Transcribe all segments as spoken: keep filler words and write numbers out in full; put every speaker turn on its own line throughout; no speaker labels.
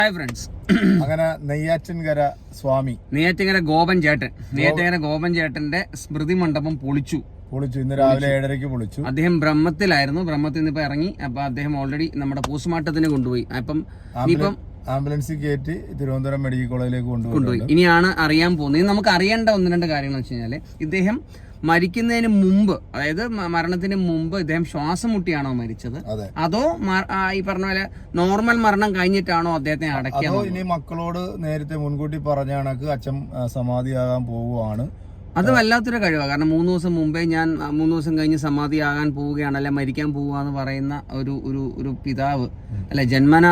Hi friends,
അങ്ങനെ നെയ്യാറ്റിൻകര സ്വാമി
നെയ്യാറ്റിൻകര ഗോപൻ ചേട്ടൻ നെയ്യാറ്റിൻകര ഗോപൻ ചേട്ടന്റെ സ്മൃതി മണ്ഡപം പൊളിച്ചു
പൊളിച്ചു ഇന്ന് രാവിലെ ഏഴരയ്ക്ക് പൊളിച്ചു. അദ്ദേഹം
ബ്രഹ്മത്തിലായിരുന്നു. ബ്രഹ്മത്തിൽ നിന്ന് ഇപ്പൊ ഇറങ്ങി. അപ്പൊ അദ്ദേഹം ഓൾറെഡി നമ്മുടെ പോസ്റ്റ്മോർട്ടത്തിന് കൊണ്ടുപോയി. അപ്പം ഇപ്പം
ആംബുലൻസിൽ കയറ്റി തിരുവനന്തപുരം മെഡിക്കൽ കോളേജിലേക്ക് കൊണ്ടുപോയി.
ഇനിയാണ് അറിയാൻ പോകുന്നത്. നമുക്ക് അറിയേണ്ട ഒന്ന് രണ്ട് കാര്യങ്ങൾ വെച്ച് കഴിഞ്ഞാല്, ഇദ്ദേഹം മരിക്കുന്നതിന് മുമ്പ്, അതായത് മരണത്തിന് മുമ്പ് ഇദ്ദേഹം ശ്വാസം മുട്ടിയാണോ മരിച്ചത്, അതോ ഈ പറഞ്ഞ പോലെ നോർമൽ മരണം കഴിഞ്ഞിട്ടാണോ അദ്ദേഹത്തെ അടക്കിയത്?
ഇനി മക്കളോട് നേരത്തെ മുൻകൂട്ടി പറഞ്ഞ കണക്ക് അച്ഛൻ സമാധിയാകാൻ പോവുകയാണ്.
അത് വല്ലാത്തൊരു കഴിവാണ്. കാരണം മൂന്ന് ദിവസം മുമ്പേ ഞാൻ മൂന്ന് ദിവസം കഴിഞ്ഞ് സമാധിയാകാൻ പോവുകയാണ്, അല്ലെ മരിക്കാൻ പോവുക എന്ന് പറയുന്ന ഒരു ഒരു ഒരു പിതാവ്, അല്ലെ ജന്മന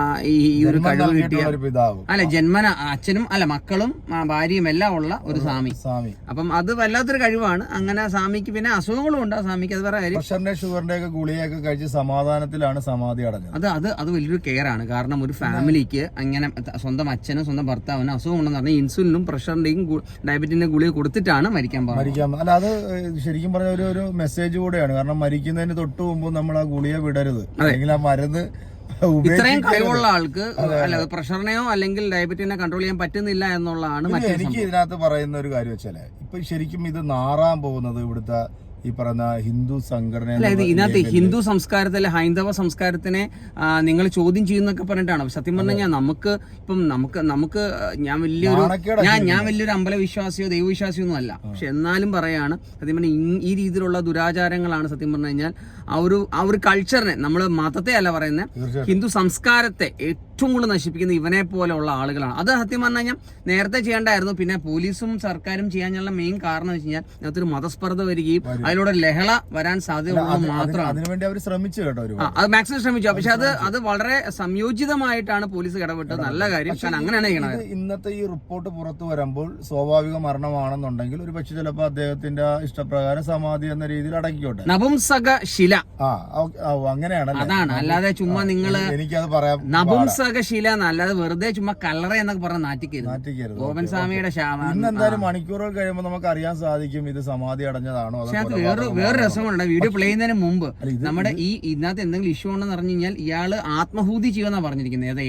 ഈ ഒരു കഴിവ് കിട്ടിയ
പിതാവ്,
അല്ലെ ജന്മന അച്ഛനും അല്ല മക്കളും ഭാര്യയും എല്ലാം ഉള്ള ഒരു സ്വാമി.
സ്വാമി
അപ്പം അത് വല്ലാത്തൊരു കഴിവാണ്. അങ്ങനെ സ്വാമിക്ക് പിന്നെ അസുഖങ്ങളും ഉണ്ട്. സ്വാമിക്ക് അത് വേറെ കാര്യം.
പ്രഷറിന്റെ ഷുഗറിന്റെ ഒക്കെ ഗുളിയൊക്കെ കഴിച്ച് സമാധാനത്തിലാണ് സമാധി അടഞ്ഞത്.
അത് അത് അത് വലിയൊരു കെയർ ആണ്. കാരണം ഒരു ഫാമിലിക്ക് അങ്ങനെ സ്വന്തം അച്ഛനും സ്വന്തം ഭർത്താവിനും അസുഖമുണ്ടെന്ന് പറഞ്ഞാൽ ഇൻസുലിനും പ്രഷറിന്റെയും ഡയബറ്റിന്റെ ഗുളിക കൊടുത്തിട്ട് മരിക്കാൻ
മരിക്കാൻ അല്ല, അത് ശരിക്കും പറഞ്ഞ ഒരു ഒരു മെസ്സേജ് കൂടെയാണ്. കാരണം മരിക്കുന്നതിന് തൊട്ട് മുമ്പ് നമ്മൾ ആ ഗുളിക വിടരുത്, അല്ലെങ്കിൽ ആ മരുന്ന്.
ഇത്രയും കഴിവുള്ള ആൾക്ക് അല്ല പ്രഷറിനെയോ അല്ലെങ്കിൽ ഡയബറ്റിനെ കൺട്രോൾ ചെയ്യാൻ പറ്റുന്നില്ല എന്നുള്ളതാണ്.
എനിക്ക് ഇതിനകത്ത് പറയുന്ന ഒരു കാര്യം വെച്ചാല്, ഇപ്പൊ ശരിക്കും ഇത് നാറാൻ പോകുന്നത് ഇവിടുത്തെ ഈ പറയുന്ന ഹിന്ദു സംഘടന.
ഇതിനകത്ത് ഹിന്ദു സംസ്കാരത്തിലെ ഹൈന്ദവ സംസ്കാരത്തിനെ നിങ്ങൾ ചോദ്യം ചെയ്യുന്നൊക്കെ പറഞ്ഞിട്ടാണ്. സത്യം പറഞ്ഞു കഴിഞ്ഞാൽ നമുക്ക് ഇപ്പം നമുക്ക് നമുക്ക് ഞാൻ വലിയൊരു ഞാൻ ഞാൻ വലിയൊരു അമ്പലവിശ്വാസിയോ ദൈവവിശ്വാസിയോ ഒന്നും അല്ല. പക്ഷെ എന്നാലും പറയാണ്, സത്യം പറഞ്ഞാൽ ഈ രീതിയിലുള്ള ദുരാചാരങ്ങളാണ് സത്യം പറഞ്ഞു കഴിഞ്ഞാൽ ആ ഒരു ആ ഒരു കൾച്ചറിനെ, നമ്മൾ മതത്തെ അല്ല പറയുന്നത്, ഹിന്ദു സംസ്കാരത്തെ ഏറ്റവും കൂടുതൽ നശിപ്പിക്കുന്ന ഇവനെ പോലെയുള്ള ആളുകളാണ്. അത് സത്യം പറഞ്ഞു കഴിഞ്ഞാൽ നേരത്തെ ചെയ്യേണ്ടായിരുന്നു. പിന്നെ പോലീസും സർക്കാരും ചെയ്യാനുള്ള മെയിൻ കാരണം വെച്ച് കഴിഞ്ഞാൽ അതിനകത്തൊരു മതസ്പർദ്ധ വരികയും അതിലൂടെ ലഹള വരാൻ സാധ്യതയുള്ളത് മാത്രമാണ്.
അതിനുവേണ്ടി അവർ ശ്രമിച്ചു കേട്ടോ,
അത് മാക്സിമം ശ്രമിച്ചു. പക്ഷെ അത് അത് വളരെ സംയോജിതമായിട്ടാണ് പോലീസ് ഇടപെട്ടത്. നല്ല കാര്യം. കാരണം അങ്ങനെയാണ് ചെയ്യണത്.
ഇന്നത്തെ ഈ റിപ്പോർട്ട് പുറത്തു വരുമ്പോൾ സ്വാഭാവിക മരണമാണെന്നുണ്ടെങ്കിൽ ഒരു പക്ഷെ ചിലപ്പോൾ അദ്ദേഹത്തിന്റെ ഇഷ്ടപ്രകാരം സമാധി എന്ന രീതിയിൽ അടക്കിക്കോട്ടെ.
നപുംസക ശില
അങ്ങനെയാണ്.
അതാണ്. അല്ലാതെ ചുമ്മാ നിങ്ങള്
എനിക്കത് പറയാം,
നപുംസക ശില എന്നല്ലാതെ വെറുതെ ചുമ്മാ കല്ലറ എന്നൊക്കെ പറഞ്ഞ നാറ്റിക്കരുത്. ഗോപൻ സ്വാമിയുടെ
ഇന്ന് എന്തായാലും മണിക്കൂറുകൾ കഴിയുമ്പോൾ നമുക്ക് അറിയാൻ സാധിക്കും ഇത് സമാധി അടഞ്ഞതാണോ.
വേറെ വേറെ രസമുണ്ട്. വീഡിയോ പ്ലേ ചെയ്യുന്നതിന് മുമ്പ് നമ്മുടെ ഈ ഇതിനകത്ത് എന്തെങ്കിലും ഇഷ്യൂ ഉണ്ടെന്ന് പറഞ്ഞു കഴിഞ്ഞാൽ ഇയാള് ആത്മഹൂതി ചെയ്യുമെന്നാ പറഞ്ഞിരിക്കുന്നത്.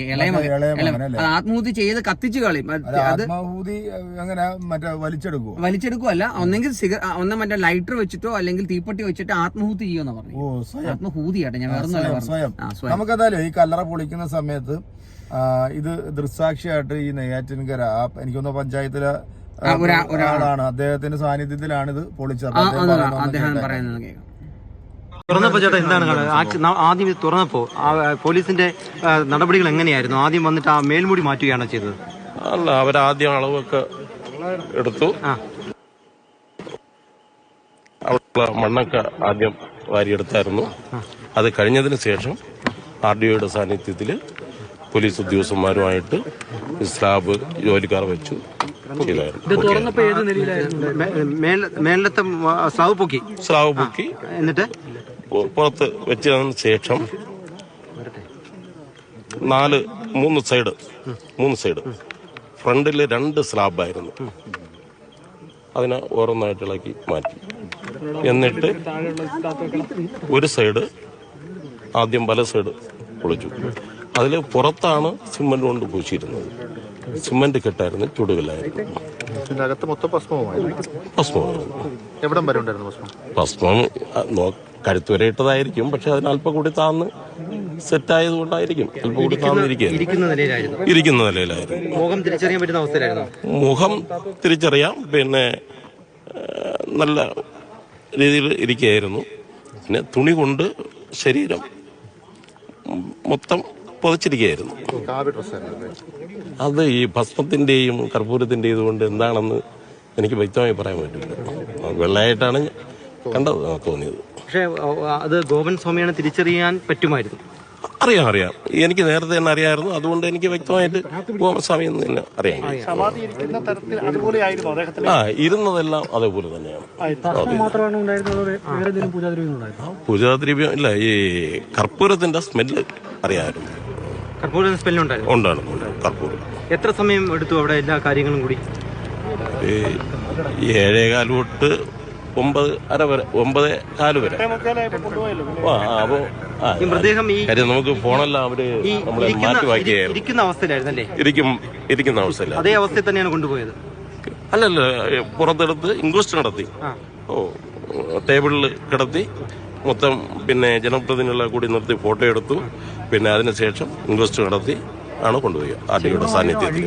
ഇളയ ആത്മഹൂതി ചെയ്ത് കത്തിച്ചു കളയും. അത്
വലിച്ചെടുക്കും
വലിച്ചെടുക്കുമല്ല, ഒന്നെങ്കിൽ സിഗർ ഒന്നെ മറ്റേ ലൈറ്റർ വെച്ചിട്ടോ അല്ലെങ്കിൽ തീപ്പെട്ടി വെച്ചിട്ട് ആത്മഹൂതി ചെയ്യുമെന്ന് പറഞ്ഞു. ആത്മഹൂതിയാട്ടെ, ഞാൻ വേറെ.
നമുക്കെന്തായാലും ഈ കല്ലറ പൊളിക്കുന്ന സമയത്ത് ഇത് ദൃക്സാക്ഷിയായിട്ട് ഈ നെയ്യാറ്റിൻകര എനിക്കൊന്ന് പഞ്ചായത്തിലെ ഒരാളാണ്, അദ്ദേഹത്തിന്റെ സാന്നിധ്യത്തിലാണ് ഇത് പൊളിച്ചത്.
തുറന്നപ്പോ ചേട്ടാ എന്താണ് ആദ്യം ഇത് തുറന്നപ്പോ പോലീസിന്റെ നടപടികൾ എങ്ങനെയായിരുന്നു? ആദ്യം വന്നിട്ട് ആ മേൽമൂടി മാറ്റുകയാണോ ചെയ്തത്?
അല്ല, അവരാദ്യം അളവൊക്കെ എടുത്തു. മണ്ണൊക്കെ ആദ്യം വാരിയെടുത്തായിരുന്നു. അത് കഴിഞ്ഞതിന് ശേഷം ആർ ഡി ഒയുടെ സാന്നിധ്യത്തിൽ പോലീസ് ഉദ്യോഗസ്ഥന്മാരുമായിട്ട് സ്ലാബ് ജോലിക്കാർ വെച്ചു.
മേലത്തെ സ്ലാബ് പൊക്കി
സ്ലാബ് പൊക്കി
എന്നിട്ട്
പുറത്ത് വെച്ചതിന് ശേഷം നാല് മൂന്ന് സൈഡ് മൂന്ന് സൈഡ് ഫ്രണ്ടിൽ രണ്ട് സ്ലാബായിരുന്നു. അതിനെ ഓരോന്നായിട്ട് ഇളക്കി മാറ്റി. എന്നിട്ട് ഒരു സൈഡ് ആദ്യം വല സൈഡ് പൊളിച്ചു. അതിൽ പുറത്താണ് സിമന്റ് കൊണ്ട് പൂശിയിരുന്നത്. സിമന്റ് കെട്ടായിരുന്നു, ചുടുകല്ലായിരുന്നു. ഭസ്മം കഴുത്ത് വരെ ഇട്ടതായിരിക്കും, പക്ഷെ അതിന് അല്പം കൂടി താന്ന് സെറ്റായത് കൊണ്ടായിരിക്കും അല്പം കൂടി താന്നിരിക്കുക. ഇരിക്കുന്ന നിലയിലായിരുന്നു.
മുഖം തിരിച്ചറിയാൻ പറ്റുന്ന അവസ്ഥയിലായിരുന്നു.
മുഖം തിരിച്ചറിയാം. പിന്നെ നല്ല രീതിയിൽ ഇരിക്കുകയായിരുന്നു. പിന്നെ തുണി കൊണ്ട് ശരീരം മൊത്തം പുതച്ചിരിക്കുകയായിരുന്നു. അത് ഈ ഭസ്മത്തിന്റെയും കർപ്പൂരത്തിന്റെയും ഇതുകൊണ്ട് എന്താണെന്ന് എനിക്ക് വ്യക്തമായി പറയാൻ പറ്റില്ല. വെള്ളയായിട്ടാണ് കണ്ടത്, തോന്നിയത്.
പക്ഷേ അത് ഗോപൻ സ്വാമിയാണ് തിരിച്ചറിയാൻ പറ്റുമായിരുന്നു.
അറിയാം അറിയാം എനിക്ക് നേരത്തെ തന്നെ അറിയാമായിരുന്നു. അതുകൊണ്ട് എനിക്ക് വ്യക്തമായിട്ട് ഗോപൻ സ്വാമി എന്ന് തന്നെ അറിയാം. ആ ഇരുന്നതെല്ലാം അതേപോലെ തന്നെയാണ്. പൂജാദ്രവ്യം ഇല്ല, ഈ കർപ്പൂരത്തിന്റെ സ്മെല്ല് അറിയാമായിരുന്നു.
കർപ്പൂരം സ്മെല്ലുണ്ടായിരുന്നു.
ഉണ്ടായിരുന്നു കർപ്പൂരം.
എത്ര സമയം എടുത്തു അവിടെ എല്ലാ കാര്യങ്ങളും കൂടി?
ഏഴേകാൽ തൊട്ട് ഒമ്പത് അര വരെ ഒമ്പത് കാല് വരെ ആ അപ്പോൾ ആ
ഈ മൃതദേഹം ഈ
കാര്യം നമുക്ക് ഫോണെല്ലാം അവര്
ഈ
നമ്മളെ
ഇരിക്കുന്ന-
മാറ്റി വാക്കിയായിരുന്നു.
ഇരിക്കുന്ന അവസ്ഥയിലായിരുന്നല്ലേ?
ഇരിക്കും ഇരിക്കുന്ന അവസ്ഥയില്ല.
അതേ അവസ്ഥയിൽ തന്നെയാണ് കൊണ്ടുപോയത്.
അല്ലല്ല, പുറത്തെടുത്ത് ഇൻക്വസ്റ്റ് നടത്തി. ഓ ടേബിളിൽ കിടത്തി മൊത്തം പിന്നെ ജനപ്രതിനിധികളെ കൂടി നിർത്തി ഫോട്ടോ എടുത്തു. പിന്നെ അതിനുശേഷം ഇൻക്വസ്റ്റ് നടത്തി ആണ് കൊണ്ടുപോയി ആർ ടി ഐയുടെ സാന്നിധ്യത്തിൽ.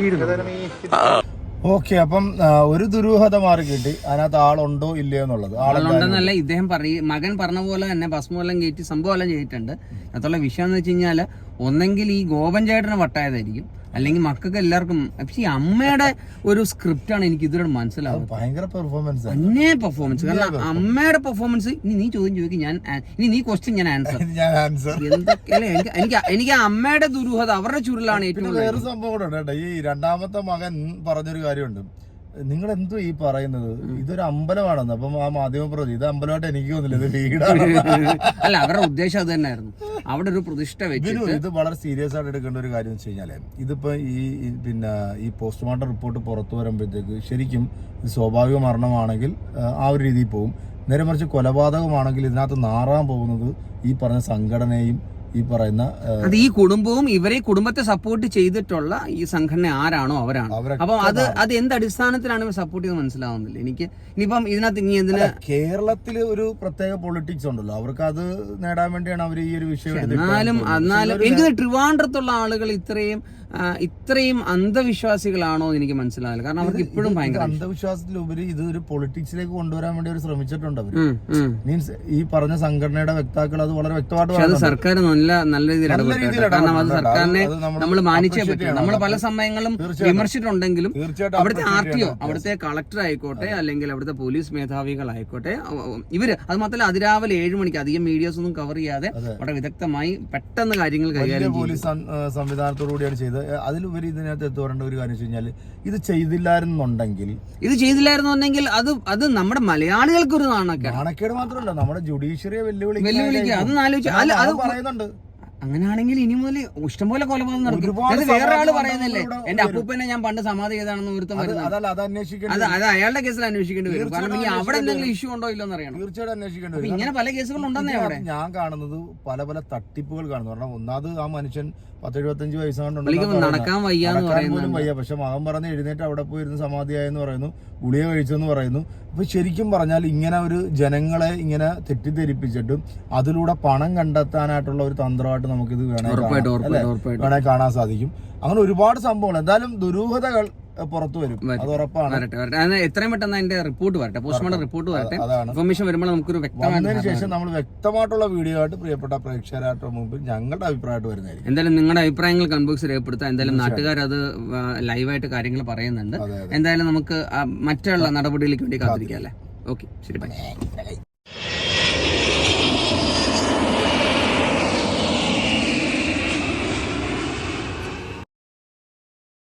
ഓക്കെ, അപ്പം ആ, ഒരു ദുരൂഹത മാറി കിട്ടി. അതിനകത്ത് ആളുണ്ടോ ഇല്ലയോ എന്നുള്ളത്.
ആളുണ്ടെന്നല്ല ഇദ്ദേഹം പറയും. മകൻ പറഞ്ഞ പോലെ തന്നെ ഭസ്മെല്ലാം കയറ്റി സംഭവം എല്ലാം ചെയ്തിട്ടുണ്ട്. അതുള്ള വിഷയം എന്ന് വെച്ച് കഴിഞ്ഞാല് ഒന്നെങ്കിൽ ഈ ഗോപൻ ചേട്ടന് വട്ടായതായിരിക്കും, അല്ലെങ്കിൽ മക്കൾക്ക് എല്ലാവർക്കും. പക്ഷെ ഈ അമ്മയുടെ ഒരു സ്ക്രിപ്റ്റ് ആണ് എനിക്ക് ഇതുവരെ മനസ്സിലാവുന്നത്.
ഭയങ്കര പെർഫോമൻസ്
അന്നേ പെർഫോമൻസ്. കാരണം അമ്മയുടെ പെർഫോമൻസ്. ഇനി നീ ചോദ്യം ചോദിക്കും, ഞാൻ ഇനി നീ ക്വസ്റ്റ്യൻ ഞാൻ ആൻസർ.
ഞാൻ ആൻസർ
എന്തൊക്കെ അല്ലെ എനിക്ക് എനിക്ക് എനിക്ക് അമ്മയുടെ ദുരൂഹത അവരുടെ ചുരുളാണ് ഏറ്റവും.
വേറെ സംഭവം കൂടെ ഉണ്ട് കേട്ടോ. ഈ രണ്ടാമത്തെ മകൻ പറഞ്ഞൊരു കാര്യമുണ്ട്. നിങ്ങൾ എന്തോ ഈ പറയുന്നത്, ഇതൊരു അമ്പലമാണെന്ന്. അപ്പം ആ മാധ്യമ പ്രതി ഇത് അമ്പലമായിട്ട് എനിക്ക് തോന്നില്ല, ഇത് വീടാണ്.
അല്ല, അവരുടെ ഉദ്ദേശം അത് തന്നെയായിരുന്നു. അവിടെ ഒരു പ്രതിഷ്ഠ വെച്ചിട്ട്
ഇത് വളരെ സീരിയസ് ആയിട്ട് എടുക്കേണ്ട ഒരു കാര്യം വെച്ച് കഴിഞ്ഞാല് ഇതിപ്പോ ഈ ഈ പിന്നെ ഈ പോസ്റ്റ്മോർട്ടം റിപ്പോർട്ട് പുറത്തു വരുമ്പോഴത്തേക്ക് ശരിക്കും ഇത് സ്വാഭാവിക മരണമാണെങ്കിൽ ആ ഒരു രീതിയിൽ പോകും. നേരെ മറിച്ച് കൊലപാതകമാണെങ്കിൽ ഇതിനകത്ത് നാറാൻ പോകുന്നത് ഈ പറഞ്ഞ സംഘടനയും ഈ പറയുന്ന
അത് ഈ കുടുംബവും ഇവരെ കുടുംബത്തെ സപ്പോർട്ട് ചെയ്തിട്ടുള്ള ഈ സംഘടന ആരാണോ അവരാണ്. അപ്പം അത് അത് എന്ത് അടിസ്ഥാനത്തിലാണ് ഇവർ സപ്പോർട്ട് ചെയ്ത് മനസ്സിലാവുന്നില്ല എനിക്ക്. ഇനിയിപ്പം ഇതിനകത്ത് ഇനി എന്തിനാ
കേരളത്തിൽ ഒരു പ്രത്യേക പൊളിറ്റിക്സ് ഉണ്ടല്ലോ, അവർക്ക് അത് നേടാൻ വേണ്ടിയാണ് അവർ ഈ ഒരു വിഷയം.
എന്നാലും എന്നാലും എനിക്ക് ട്രിവാൻഡ്രത്തുള്ള ആളുകൾ ഇത്രയും ഇത്രയും അന്ധവിശ്വാസികളാണോ എന്ന് എനിക്ക് മനസ്സിലാവില്ല. കാരണം അവർക്ക് ഇപ്പോഴും ഭയങ്കര
അന്ധവിശ്വാസത്തിലുപരി ഇത് ഒരു പൊളിറ്റിക്സിലേക്ക് കൊണ്ടുവരാൻ വേണ്ടി അവർ ശ്രമിച്ചിട്ടുണ്ട്. അവർ മീൻസ് ഈ പറഞ്ഞ സംഘടനയുടെ വക്താക്കൾ അത് വളരെ വ്യക്തമായിട്ട്
അത് സർക്കാർ നല്ല നല്ല രീതിയിൽ ഇടപെട്ടു. കാരണം അത് സർക്കാരിനെ നമ്മൾ മാനിച്ചേ പറ്റും. നമ്മൾ പല സമയങ്ങളും വിമർശിച്ചിട്ടുണ്ടെങ്കിലും അവിടുത്തെ ആർ ടി ഒ, അവിടുത്തെ കളക്ടർ ആയിക്കോട്ടെ, അല്ലെങ്കിൽ അവിടുത്തെ പോലീസ് മേധാവികളായിക്കോട്ടെ, ഇവര് അത് മാത്രമല്ല അതിരാവിലെ ഏഴ് മണിക്ക് അധികം മീഡിയാസ് ഒന്നും കവർ ചെയ്യാതെ വളരെ വിദഗ്ധമായി പെട്ടെന്ന് കാര്യങ്ങൾ കൈകാര്യം
പോലീസ് സംവിധാനത്തോടുകൂടിയാണ് ചെയ്തത്. അതിലുപരി ഇതിനകത്ത് എത്തു പറയേണ്ട ഒരു കാര്യം വെച്ച് കഴിഞ്ഞാൽ ഇത് ചെയ്തില്ലായിരുന്നുണ്ടെങ്കിൽ
ഇത് ചെയ്തില്ലായിരുന്നുണ്ടെങ്കിൽ അത് അത് നമ്മുടെ മലയാളികൾക്ക് ഒരു നാണക്കേട്.
നാണക്കേട് മാത്രമല്ല നമ്മുടെ ജുഡീഷ്യറിയെ വെല്ലുവിളി
വെല്ലുവിളിക്കുക. അതൊന്നും ആലോചിച്ച് അല്ല അത്
പറയുന്നുണ്ട്.
അങ്ങനെയാണെങ്കിൽ ഇനി മുതൽ ഇഷ്ടംപോലെ കൊലപാതകം നടക്കും. അത് വേറെ ആള് പറയുന്നില്ലേ, എന്റെ അപ്പൂപ്പനെ ഞാൻ പണ്ട് സമാധി ചെയ്താണെന്ന് ഒരുത്തം വരുന്നത്. അത് അത് അയാളുടെ കേസിൽ അന്വേഷിക്കേണ്ടി വരും. കാരണം ഇനി അവിടെ എന്തെങ്കിലും ഇഷ്യൂ ഉണ്ടോ ഇല്ലെന്ന് അറിയണം.
തീർച്ചയായിട്ടും അന്വേഷിക്കേണ്ടി വരും.
ഇങ്ങനെ പല കേസുകൾ ഉണ്ടെന്നേ അവിടെ
ഞാൻ കാണുന്നത് പല പല തട്ടിപ്പുകൾ കാണുന്നു. കാരണം ഒന്നാമത് ആ മനുഷ്യൻ പത്ത് എഴുപത്തഞ്ച് വയസ്സാണ്ട്
നടക്കാൻ വയ്യാന്ന്
പോലും വയ്യ. പക്ഷെ മകൻ പറഞ്ഞ് എഴുന്നേറ്റ് അവിടെ പോയിരുന്ന് സമാധിയായെന്ന് പറയുന്നു, ഗുളിക കഴിച്ചെന്ന് പറയുന്നു. അപ്പൊ ശരിക്കും പറഞ്ഞാൽ ഇങ്ങനെ ഒരു ജനങ്ങളെ ഇങ്ങനെ തെറ്റിദ്ധരിപ്പിച്ചിട്ടും അതിലൂടെ പണം കണ്ടെത്താനായിട്ടുള്ള ഒരു തന്ത്രമായിട്ട് നമുക്കിത് വേണമെങ്കിൽ വേണേ കാണാൻ സാധിക്കും. അങ്ങനെ ഒരുപാട് സംഭവങ്ങൾ. എന്തായാലും ദുരൂഹതകൾ പുറത്തു വരും, അത് ഉറപ്പാണ്.
എത്രയും പെട്ടെന്ന് അതിന്റെ റിപ്പോർട്ട് വരട്ടെ, പോസ്റ്റ്മോർട്ടം റിപ്പോർട്ട് വരട്ടെ. ഇൻഫർമേഷൻ വരുമ്പോൾ നമുക്കൊരു വ്യക്തമായതിനു
ശേഷം നമ്മൾ വ്യക്തമായിട്ടുള്ള വീഡിയോ ആയിട്ട് പ്രിയപ്പെട്ട പ്രേക്ഷകരായിട്ട് മുമ്പിൽ ഞങ്ങളുടെ അഭിപ്രായമായിട്ട് വരുന്നതായിരിക്കും.
എന്തായാലും നിങ്ങളുടെ അഭിപ്രായങ്ങൾ കമന്റ് ബോക്സിൽ രേഖപ്പെടുത്താം. എന്തായാലും നാട്ടുകാർ അത് ലൈവായിട്ട് കാര്യങ്ങൾ പറയുന്നുണ്ട്. എന്തായാലും നമുക്ക് മറ്റുള്ള നടപടിയിലേക്ക് വേണ്ടി കാത്തിരിക്കാം അല്ലേ. ഓക്കെ, ശരി, ബൈ.